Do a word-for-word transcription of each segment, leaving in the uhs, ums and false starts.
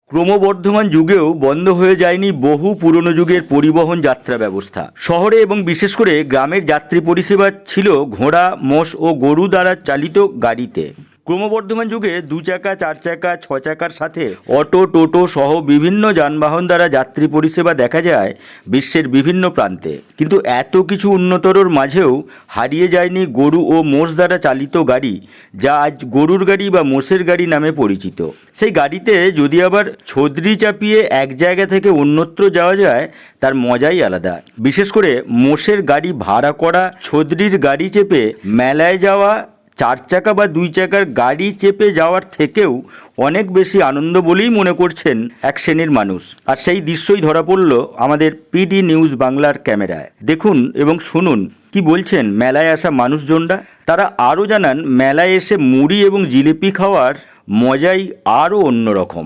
ক্রমবর্ধমান যুগেও বন্ধ হয়ে যায়নি বহু পুরনো যুগের পরিবহন যাত্রা ব্যবস্থা। শহরে এবং বিশেষ করে গ্রামের যাত্রী পরিষেবা ছিল ঘোড়া, মোষ ও গরু দ্বারা চালিত গাড়িতে। ক্রমবর্ধমান যুগে দু চাকা, চার চাকা, ছ চাকার সাথে অটো, টোটো সহ বিভিন্ন যানবাহন দ্বারা যাত্রী পরিষেবা দেখা যায় বিশ্বের বিভিন্ন প্রান্তে। কিন্তু এত কিছু উন্নতরর মাঝেও হারিয়ে যায়নি গরু ও মোষ দ্বারা চালিত গাড়ি, যা আজ গরুর গাড়ি বা মোষের গাড়ি নামে পরিচিত। সেই গাড়িতে যদি আবার ছদ্রি চাপিয়ে এক জায়গা থেকে অন্যত্র যাওয়া যায়, তার মজাই আলাদা। বিশেষ করে মোষের গাড়ি ভাড়া করা, ছদ্রির গাড়ি চেপে মেলায় যাওয়া চার চাকা বা দুই চাকার গাড়ি চেপে যাওয়ার থেকেও অনেক বেশি আনন্দ বলেই মনে করছেন এক শ্রেণীর মানুষ। আর সেই দৃশ্যই ধরা পড়ল আমাদের পিডি নিউজ বাংলার ক্যামেরায়। দেখুন এবং শুনুন কি বলছেন মেলায় আসা মানুষজনরা। তারা আরও জানান মেলায় এসে মুড়ি এবং জিলিপি খাওয়ার মজাই আরও অন্যরকম।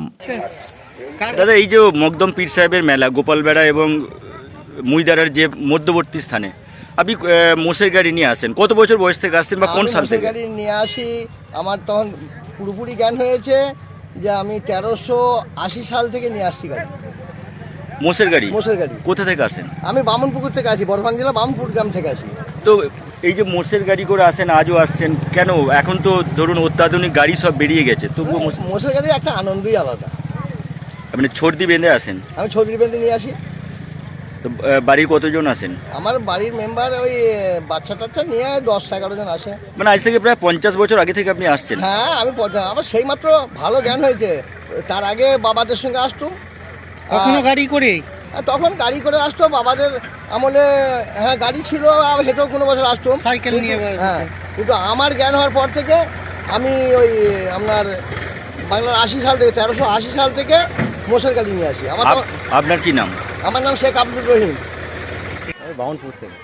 দাদা, এই যে মকদম পীর সাহেবের মেলা গোপালবেড়া এবং মুইদারার যে মধ্যবর্তী স্থানে আপনি মোষের গাড়ি নিয়ে আসেন, কত বছর বয়স থেকে আসছেন বা কোন সাল থেকে? গাড়ি নিয়ে আসি, আমার তখন পুরোপুরি জ্ঞান হয়েছে যে আমি তেরোশো আশি সাল থেকে নিয়ে আসছি গাড়ি, মোষের গাড়ি। মোষের গাড়ি কোথা থেকে আসেন? আমি বামনপুকুর থেকে আসি, বর্ধমান জেলা বামনপুর গ্রাম থেকে আসি। তো এই যে মোষের গাড়ি করে আসেন, আজও আসছেন কেন? এখন তো ধরুন অত্যাধুনিক গাড়ি সব বেরিয়ে গেছে, তবুও মোষের গাড়ির একটা আনন্দই আলাদা। আপনি ছর্দি বেঁধে আসেন? আমি ছত্রিশ বেঁধে নিয়ে আসি। তো বাড়ির কতজন আসেন? আমার বাড়ির মেম্বার ওই বাচ্চা টাচ্চা নিয়ে দশ এগারো জন আসে। মানে আজ থেকে প্রায় পঞ্চাশ বছর আগে থেকে আপনি আসছেন? হ্যাঁ, আমি আমার সেই মাত্র ভালো জ্ঞান হয়েছে। তার আগে বাবাদের সঙ্গে আসতুম। কখনো গাড়ি করে? তখন গাড়ি করে আসতো বাবাদের আমলে। হ্যাঁ, গাড়ি ছিল, হেঁটেও কোনো বছর আসতাম সাইকেল নিয়ে। হ্যাঁ, কিন্তু আমার জ্ঞান হওয়ার পর থেকে আমি ওই আপনার বাংলার আশি সাল থেকে তেরোশো আশি সাল থেকে মোষের গাড়ি নিয়ে আসি। আমার আপনার কি নাম? আমার নাম শেখ আব্দুর রহিম, বাউনপুর থেকে।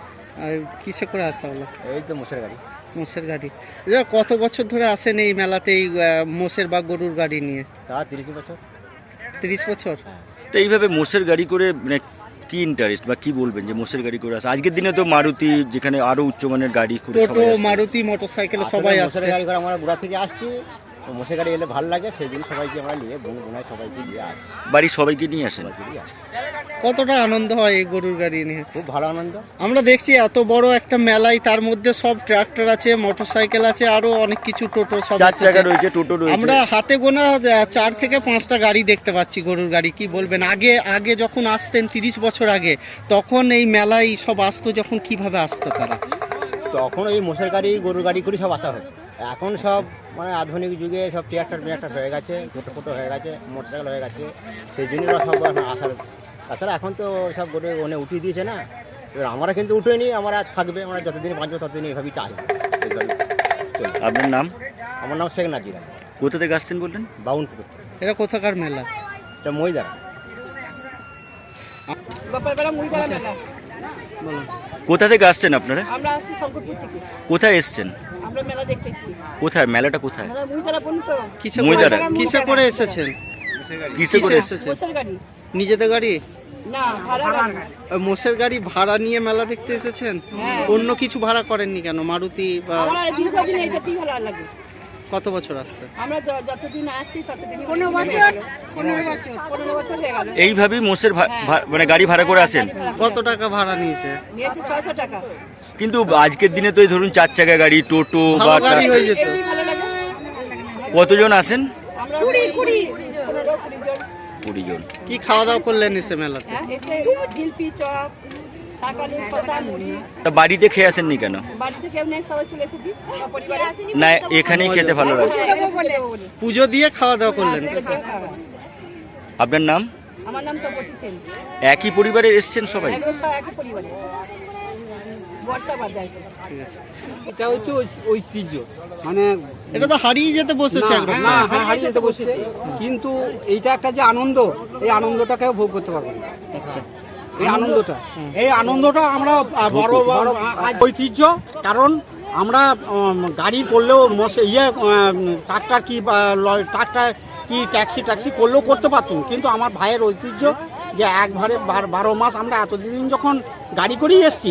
কিসে করে আসা হলো? এই তো মোষের গাড়ি। মোষের গাড়ি। কত বছর ধরে আসেন এই মেলাতে এই মোষের বা গরুর গাড়ি নিয়ে? তা তিরিশ বছর। তিরিশ বছর। তো এইভাবে মোষের গাড়ি করে মানে কি ইন্টারেস্ট বা কি বলবেন যে মোষের গাড়ি করে আসে? আজকের দিনে তো মারুতি, যেখানে আরো উচ্চমানের গাড়ি করে টোটো, মারুতি, মোটরসাইকেলে সবাই আসে। মোষের গাড়ি করে আমরা গুড়া থেকে আসছি, তো মোষের গাড়ি এলে ভালো লাগে, সেই জন্য সবাইকে আমরা নিয়ে বোন বোনায় সবাইকে নিয়ে আসি। বাড়ির সবাইকে নিয়ে আসেন? কতটা আনন্দ হয় এই গরুর গাড়ি নিয়ে? খুব ভালো আনন্দ। আমরা দেখছি এত বড় একটা মেলায়, তার মধ্যে সব ট্রাক্টর আছে, মোটরসাইকেল আছে, আরো অনেক কিছু, টোটো সব চার চাকা রয়েছে, টোটো রয়েছে। আমরা হাতে গোনা চার থেকে পাঁচটা গাড়ি দেখতে পাচ্ছি গরুর গাড়ি। কি বলবেন, আগে আগে যখন আসতেন তিরিশ বছর আগে, তখন এই মেলায় সব আসতো যখন, কিভাবে আসতো তারা? তখন এই মোষের গাড়ি গরুর গাড়ি করে সব আসা হয়। এখন সব মানে আধুনিক যুগে সব ট্রাক্টর ট্রাক্টর হয়ে গেছে, টোটো ফোটো হয়ে গেছে, মোটরসাইকেল হয়ে গেছে, সেই জন্য সব আসার। তাছাড়া এখন তো সব গরু ওনে উঠিয়ে দিয়েছে না, এবার আমরা কিন্তু উঠেনি, আমরা থাকবে, আমরা যতদিন বাঁচবো ততদিন এইভাবেই চাই। আপনার নাম? আমার নাম শেখ নাজির। কোথা থেকে আসছেন বললেন? বাউনপুর। এটা কোথাকার মেলা? এটা মহিদারা। কোথা থেকে আসছেন আপনারা? আমরা আসছি শঙ্করপুর থেকে। কোথায় এসছেন? আমরা মেলা দেখতে এসেছি। কোথায় মেলাটা? কোথায়? আমরা মুইতারা বলি তো। কিসে মহিদারা। করে কিসে করে এসেছেন? কিসে করে এসেছেন? মোষের গাড়ি নিজেদের গাড়ি না, ভাড়া গাড়ি। ওই মোষের গাড়ি ভাড়া নিয়ে মেলা দেখতে এসেছেন? অন্য কিছু ভাড়া করেননি কেন? মারুতি বা? আমরা দীর্ঘদিন এটাতেই ভালো লাগে। কত বছর আসছে? আমরা য- যতদিন আসছি ততদিন পনেরো বছর পনেরো বছর পনেরো বছর হয়ে গেল। এইভাবেই মোষের ভা- ভা- মানে গাড়ি ভাড়া করে আসেন? কত টাকা ভাড়া নিয়েছে? নিয়েছি ছয়শো টাকা। কিন্তু আজকের দিনে তো এই ধরুন চার চাকা গাড়ি, টোটো বা ভালো গাড়ি হয়ে যেত। এমনি ভালো লাগে। কতজন আসেন? আমরা কুড়ি কুড়ি পনেরো কুড়ি জন। কুড়ি জন। কি খাওয়া দাওয়া করলেন এসে মেলাতে? হ্যাঁ, এসে জিলপি, চপ, শাকালি, শশা, মুড়ি। তা বাড়িতে খেয়ে আসেননি কেন? বাড়ি থেকে এমনি সবাই চলে এসেছি পরিবারে। না, এখানেই খেতে ভালো লাগে। পুজো দিয়ে খাওয়া দাওয়া করলেন? আপনার নাম? আমার নাম তপতি সেন। একই পরিবারে এসছেন সবাই? একই একই পরিবারে। বর্ষা বাজার। এটা হচ্ছে ঐতিহ্য, মানে এটা তো হারিয়ে যেতে বসেছে একদম। না, হ্যাঁ, হারিয়ে যেতে বসছে, কিন্তু এইটা একটা যে আনন্দ, এই আনন্দটাকে ভোগ করতে পারবো না। এই আনন্দটা এই আনন্দটা আমরা বড় বড় ঐতিহ্য, কারণ আমরা উম, গাড়ি করলেও মোষ- ইয়ে ট্রাক্টর কি ট্রাক্টর কি ট্যাক্সি ট্যাক্সি করলেও করতে পারতাম, কিন্তু আমার ভাইয়ের ঐতিহ্য যে একবারে বার- বারো মাস আমরা এতদিন যখন গাড়ি করেই এসছি,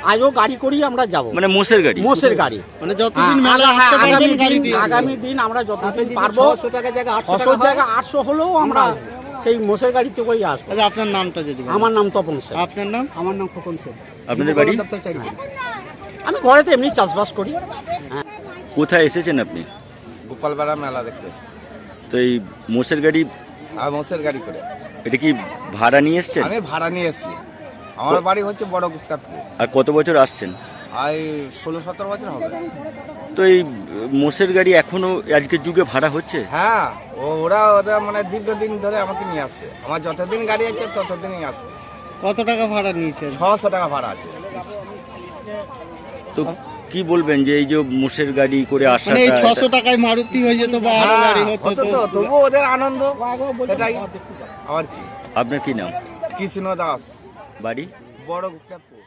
আজও গাড়ি করি আমরা যাব মানে মোষের গাড়ি? মোষের গাড়ি। মানে যতদিন হ্যাঁ, মেলা আগামী আসতে পারবেন দিন- গাড়ি দিয়ে আগামী দিন আমরা যতদিন পারবো ছশো টাকা জায়গায় আটশো হলেও আমরা সেই মোষের গাড়িতে করেই আসবো। আচ্ছা, আপনার নামটা যদি বলেন। আমার নাম তপন সেন। আপনার নাম? আমার নাম খোকন সেন। আপনাদের বাড়ি? আমি ঘরেতে এমনি চাষবাস করি। কোথায় এসেছেন আপনি? গোপালপাড়া মেলা দেখতে। তো এই মোষের গাড়ি, আর মোষের গাড়ি করে এটা কি ভাড়া নিয়ে এসছেন? আমি ভাড়া নিয়ে এসেছি। আমার বাড়ি হচ্ছে বড় গুপ্তাপুর। আর কত বছর আসছেন? আর ষোলো সতেরো বছর হবে। তো এই মোষের গাড়ি এখনো আজকের যুগে ভাড়া হচ্ছে? হ্যাঁ, ও ওরা ওরা মানে দীর্ঘদিন ধরে আমাকে নিয়ে আসছে। আমার যতদিন গাড়ি আছে ততদিনই আসছে। কত টাকা ভাড়া নিয়েছেন? ছশো টাকা ভাড়া আছে। তো কি বলবেন যে এই যে মোষের গাড়ি করে আসা, মানে এই ছশো টাকায় মারুতি হয়ে যেত বা আরো গাড়ি হ্যাঁ, হতো হতো তো। তো, তবুও ওদের আনন্দ এটাই। আর কি আপনার কি নাম? কৃষ্ণ দাস, বাড়ি? বড় গুপ্তাপুর।